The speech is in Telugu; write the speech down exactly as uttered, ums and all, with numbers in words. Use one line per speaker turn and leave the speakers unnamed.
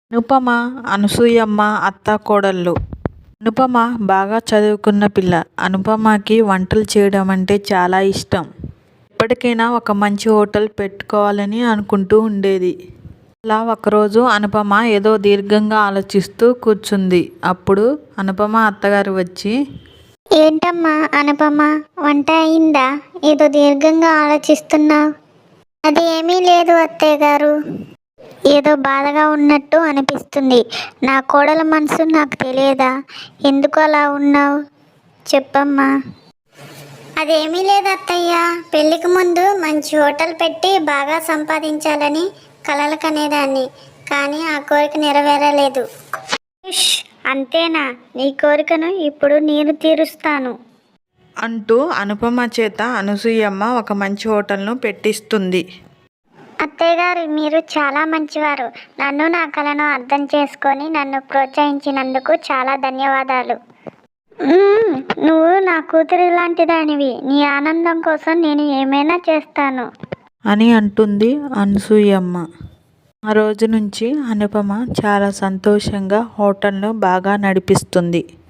అనుపమ, అనసూయమ్మ అత్తాకోడళ్ళు. అనుపమ బాగా చదువుకున్న పిల్ల. అనుపమకి వంటలు చేయడం అంటే చాలా ఇష్టం. ఎప్పటికైనా ఒక మంచి హోటల్ పెట్టుకోవాలని అనుకుంటూ ఉండేది. అలా ఒకరోజు అనుపమ ఏదో దీర్ఘంగా ఆలోచిస్తూ కూర్చుంది. అప్పుడు అనుపమ అత్తగారు వచ్చి,
ఏంటమ్మా అనుపమ, వంట అయిందా? ఏదో దీర్ఘంగా ఆలోచిస్తున్నావు. అది ఏమీ లేదు అత్తయ్య గారు. ఏదో బాధగా ఉన్నట్టు అనిపిస్తుంది. నా కోడల మనసు నాకు తెలియదా? ఎందుకు అలా ఉన్నావు చెప్పమ్మా. అదేమీ లేదు అత్తయ్య. పెళ్ళికి ముందు మంచి హోటల్ పెట్టి బాగా సంపాదించాలని కలలు కనేదాన్ని. కానీ ఆ కోరిక నెరవేరలేదు. ఉష్, అంతేనా? నీ కోరికను ఇప్పుడు నేను తీరుస్తాను
అంటూ అనుపమ చేత అనసూయమ్మ ఒక మంచి హోటల్ను పెట్టిస్తుంది.
అత్తయ్య గారు, మీరు చాలా మంచివారు. నన్ను నా కలను అర్థం చేసుకొని నన్ను ప్రోత్సహించినందుకు చాలా ధన్యవాదాలు. మ్మ్, నువ్వు నా కూతురు లాంటి దానివి. నీ ఆనందం కోసం నేను ఏమైనా చేస్తాను
అని అంటుంది అనసూయమ్మ. ఆ రోజు నుంచి అనుపమ చాలా సంతోషంగా హోటల్ను బాగా నడిపిస్తుంది.